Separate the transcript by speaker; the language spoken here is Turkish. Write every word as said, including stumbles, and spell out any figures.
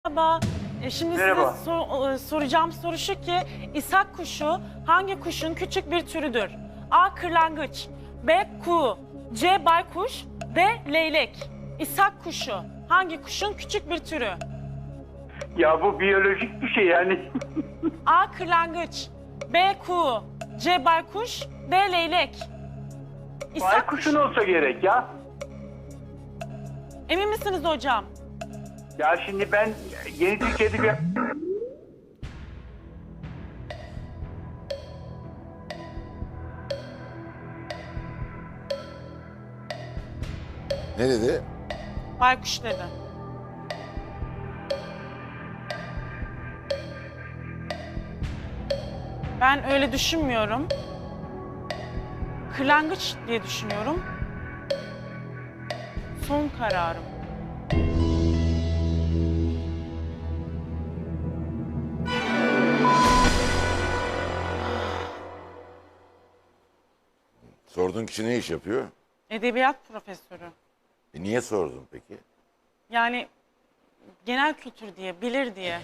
Speaker 1: Merhaba. E, Şimdi
Speaker 2: Merhaba.
Speaker 1: size sor- e, soracağım soru şu ki, İshak kuşu hangi kuşun küçük bir türüdür? A. Kırlangıç, B. Kuğu, C. Baykuş, D. Leylek. İshak kuşu hangi kuşun küçük bir türü?
Speaker 2: Ya bu biyolojik bir şey yani.
Speaker 1: A. Kırlangıç, B. Kuğu, C. Baykuş, D. Leylek. İshak
Speaker 2: Baykuşun olsa gerek ya.
Speaker 1: Emin misiniz hocam?
Speaker 2: Ya şimdi ben yeni Türk Edebiyat...
Speaker 3: Ne dedi?
Speaker 1: Baykuş dedi. Ben öyle düşünmüyorum. Kırlangıç diye düşünüyorum. Son kararım.
Speaker 3: Sorduğun kişi ne iş yapıyor?
Speaker 1: Edebiyat profesörü.
Speaker 3: E niye sordun peki?
Speaker 1: Yani genel kültür diye, bilir diye.